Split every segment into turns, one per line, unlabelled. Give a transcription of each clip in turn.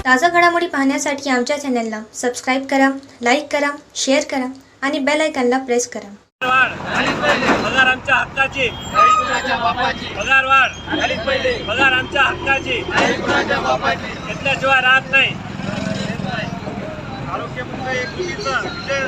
ताज़ा घडामोडी पाहण्यासाठी आमच्या चॅनलला सबस्क्राईब करा, लाईक करा, शेअर करा आणि बेल आयकॉनला प्रेस करा.
पगार आमच्या हक्काची, पगार वाढ झालीच पाहिजे. पगार आमच्या हक्काची, घेतल्याशिवाय राहत नाही. आरोग्यमंत्री योजना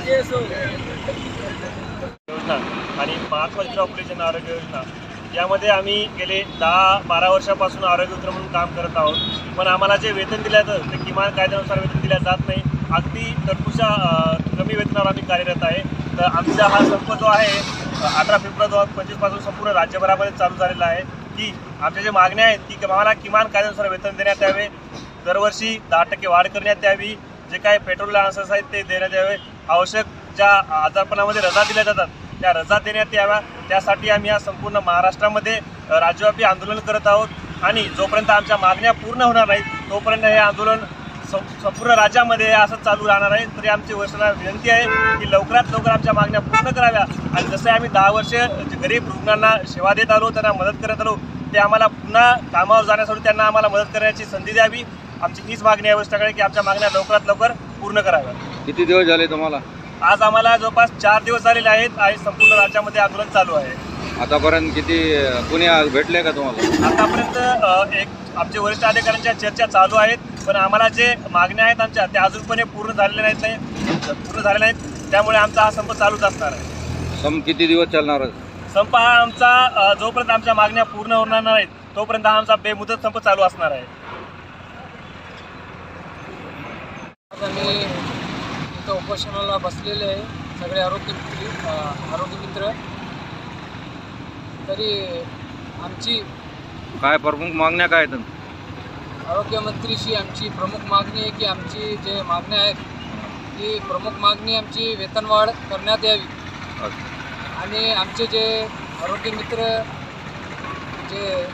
आणि महात्मा ज्योतिराव फुले जन आरोग्य योजना यामध्ये आम्ही गेले 10-12 वर्षापासून आरोग्य मित्र म्हणून काम करत आहोत. पण आम्हाला जे वेतन दिलं जातं ते किमान कायद्यानुसार वेतन दिलं जात नाही. अगदी तरतूच्या कमी वेतनावर आम्ही कार्यरत आहे. तर आमचा हा संप जो आहे 18 फेब्रुवारी 2025 पासून संपूर्ण राज्यभरामध्ये चालू झालेला आहे की आमच्या ज्या मागण्या आहेत की आम्हाला किमान कायद्यानुसार वेतन देण्यात यावे, दरवर्षी 10% वाढ करण्यात यावी, जे काही पेट्रोल लायसन्स आहेत ते देण्यात यावे, आवश्यक ज्या आजारपणामध्ये रजा दिल्या जातात त्या रजा देण्यात याव्या. त्यासाठी आम्ही या संपूर्ण महाराष्ट्रामध्ये राज्यव्यापी आंदोलन करत आहोत आणि जोपर्यंत आमच्या मागण्या पूर्ण होणार नाहीत तोपर्यंत हे आंदोलन संपूर्ण राज्यामध्ये असं चालू राहणार आहे. तरी आमची वर्षाला विनंती आहे की लवकरात लवकर आमच्या मागण्या पूर्ण कराव्या आणि जसे आम्ही 10 वर्ष गरीब रुग्णांना सेवा देत आलो, त्यांना मदत करत आलो, ते आम्हाला पुन्हा कामावर जाण्यासाठी त्यांना आम्हाला मदत करण्याची संधी द्यावी. आमची हीच मागणी आहे वर्षाकडे की आमच्या मागण्या लवकरात लवकर पूर्ण कराव्या.
किती दिवस झाले तुम्हाला?
आज आम्हाला जवळपास 4 दिवस झालेले आहेत आणि संपूर्ण राज्यामध्ये आंदोलन चालू आहे.
आतापर्यंत किती कोणी भेटले का तुम्हाला?
आतापर्यंत आमचे वरिष्ठ अधिकाऱ्यांच्या चर्चा चालू आहेत, पण आम्हाला जे मागण्या आहेत आमच्या त्या अजूनपणे पूर्ण झालेल्या नाहीत. त्यामुळे आमचा हा संप चालूच असणार आहे.
संप किती दिवस चालणार?
संप हा आमचा जोपर्यंत आमच्या मागण्या पूर्ण होणार नाहीत तोपर्यंत हा आमचा बेमुदत संप चालू असणार आहे.
आम्ही इथं उपोषणाला बसलेले आहे सगळे आरोग्य मित्र. तरी आमची
काय प्रमुख मागण्या काय आहेत?
आरोग्यमंत्रीशी आमची प्रमुख मागणी आहे की आमची जे मागण्या आहेत ती प्रमुख मागणी आमची वेतनवाढ करण्यात यावी आणि आमचे जे आरोग्य मित्र जे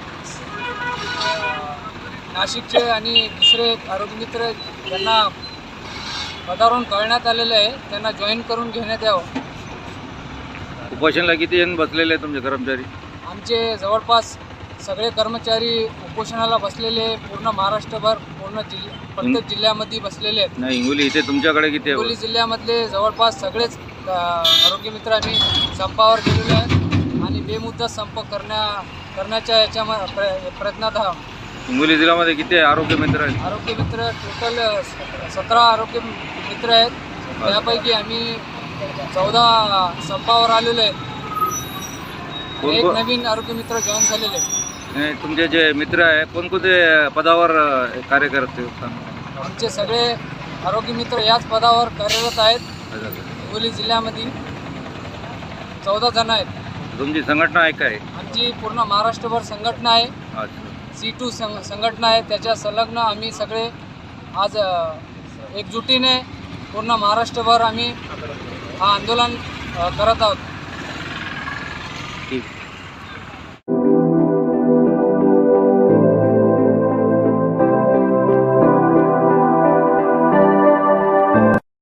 नाशिकचे आणि दुसरे आरोग्य मित्र ज्यांना पदावरून कळण्यात आलेलं आहे त्यांना जॉईन करून घेण्यात यावं.
उपोषणाला किती जण बसलेले आहेत तुमचे कर्मचारी?
आमचे जवळपास सगळे कर्मचारी उपोषणाला बसलेले पूर्ण महाराष्ट्रभर प्रत्येक जिल्ह्यामध्ये बसलेले आहेत.
नाही, हिंगोली इथे तुमच्याकडे किती?
हिंगोली जिल्ह्यामधले जवळपास सगळेच आरोग्य आम्ही संपावर गेलेलो आहेत आणि बेमुदत संप करण्याच्या प्रयत्नात आहोत.
हिंगोली जिल्ह्यामध्ये किती आरोग्य मित्र आहेत?
आरोग्य मित्र टोटल 17 आरोग्य मित्र आहेत. त्यापैकी आम्ही 14 संपावर आलेलो आहेत. एक नवीन आरोग्य मित्र जॉईन झालेले आहेत.
तुमचे जे मित्र आहे कोणकोणते पदावर कार्य करत?
आमचे सगळे आरोग्य मित्र याच पदावर कार्यरत आहेत. हिंगोली जिल्ह्यामध्ये 14 जण आहेत.
तुमची संघटना आहे काय?
आमची पूर्ण महाराष्ट्रभर संघटना आहे. C2 संघटना आहे. त्याच्या संलग्न आम्ही सगळे आज एकजुटीने पूर्ण महाराष्ट्रभर आम्ही हा आंदोलन करत आहोत.
ठीक.